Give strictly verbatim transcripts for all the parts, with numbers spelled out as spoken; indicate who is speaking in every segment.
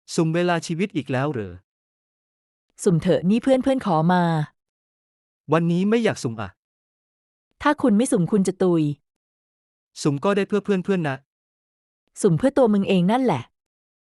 Speaker 1: สุ่มเวลาชีวิตอีกแล้วเหรอ
Speaker 2: สุ่มเถอะนี่เพื่อนเพื่อนขอมา
Speaker 1: วันนี้ไม่อยากสุ่มอ่ะ
Speaker 2: ถ้าคุณไม่สุ่มคุณจะตุย
Speaker 1: สุ่มก็ได้เพื่อเพื่อนเพื่อนนะ
Speaker 2: สุ่มเพื่อตัวมึงเองนั่นแหละ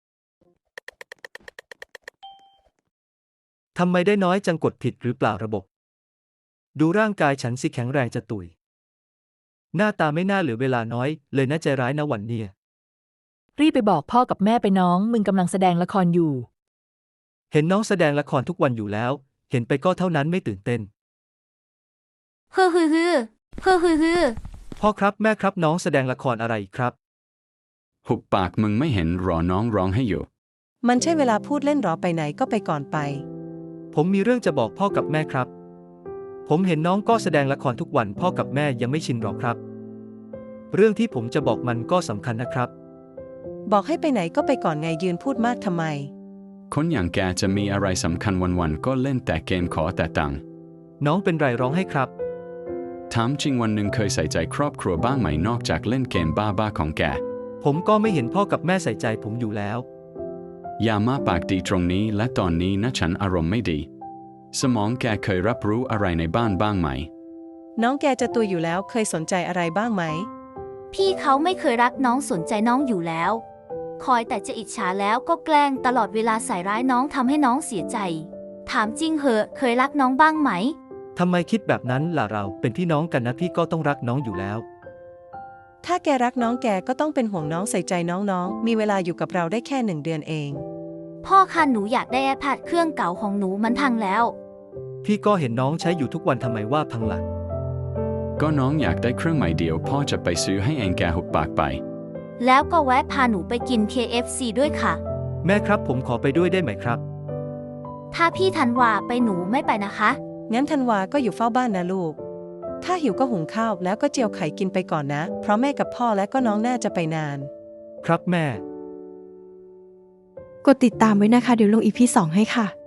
Speaker 1: ทำไมได้น้อยจังกดผิดหรือเปล่าระบบดูร่างกายฉันสิแข็งแรงจะตุยหน้าตาไม่น่าเหลือเวลาน้อยเลยน่าใจร้ายนะวันเนี้ย
Speaker 2: รีบไปบอกพ่อกับแม่ไปน้องมึงกำลังแสดงละครอยู่
Speaker 1: เห็นน้องแสดงละครทุกวันอยู่แล้วเห็นไปก็เท่านั้นไม่ตื่นเต้น
Speaker 3: ฮือฮือฮือฮือฮือฮือ
Speaker 1: พ่อครับแม่ครับน้องแสดงละครอะไรครับ
Speaker 4: หุบปากมึงไม่เห็นรอน้องร้องให้อยู่
Speaker 5: มันใช่เวลาพูดเล่นหรอไปไหนก็ไปก่อนไป
Speaker 1: ผมมีเรื่องจะบอกพ่อกับแม่ครับผมเห็นน้องก็แสดงละครทุกวันพ่อกับแม่ยังไม่ชินหรอกครับเรื่องที่ผมจะบอกมันก็สำคัญนะครับ
Speaker 5: บอกให้ไปไหนก็ไปก่อนไงยืนพูดมากทำไม
Speaker 4: คนอย่างแกจะมีอะไรสำคัญวันๆก็เล่นแต่เกมขอแต่ตังค์
Speaker 1: น้องเป็นไรร้องให้ครับ
Speaker 4: ถามจริงวันหนึ่งเคยใส่ใจครอบครัวบ้างไหมนอกจากเล่นเกมบ้าๆของแก
Speaker 1: ผมก็ไม่เห็นพ่อกับแม่ใส่ใจผมอยู่แล้ว
Speaker 4: อย่ามาปากดีตรงนี้และตอนนี้นะฉันอารมณ์ไม่ดีสมองแกเคยรับรู้อะไรในบ้านบ้างไหม
Speaker 5: น้องแกจะตัวอยู่แล้วเคยสนใจอะไรบ้างไหม
Speaker 3: พี่เขาไม่เคยรักน้องสนใจน้องอยู่แล้วคอยแต่จะอิจฉาแล้วก็แกล้งตลอดเวลาใส่ร้ายน้องทำให้น้องเสียใจถามจริงเหอะเคยรักน้องบ้างไหม
Speaker 1: ทำไมคิดแบบนั้นล่ะเราเป็นพี่น้องกันนะพี่ก็ต้องรักน้องอยู่แล้ว
Speaker 5: ถ้าแกรักน้องแกก็ต้องเป็นห่วงน้องใส่ใจน้องๆมีเวลาอยู่กับเราได้แค่หนึ่งเดือนเอง
Speaker 3: พ่อคะหนูอยากได้ iPad เครื่องเก่าของหนูมันพังแล้ว
Speaker 1: พี่ก็เห็นน้องใช้อยู่ทุกวันทำไมว่าพังล่ะ
Speaker 4: ก็น้องอยากได้เครื่องใหม่เดียวพ่อจะไปซื้อให้เองแกหุบปากไป
Speaker 3: แล้วก็แวะพาหนูไปกิน เค เอฟ ซี ด้วยค่ะ
Speaker 1: แม่ครับผมขอไปด้วยได้ไหมครับ
Speaker 3: ถ้าพี่ธันวาไปหนูไม่ไปนะคะ
Speaker 5: งั้นธันวาก็อยู่เฝ้าบ้านนะลูกถ้าหิวก็หุงข้าวแล้วก็เจียวไข่กินไปก่อนนะเพราะแม่กับพ่อและก็น้องน่าจะไปนาน
Speaker 1: ครับแม่
Speaker 6: กดติดตามไว้นะคะเดี๋ยวลง อี พี สองให้ค่ะ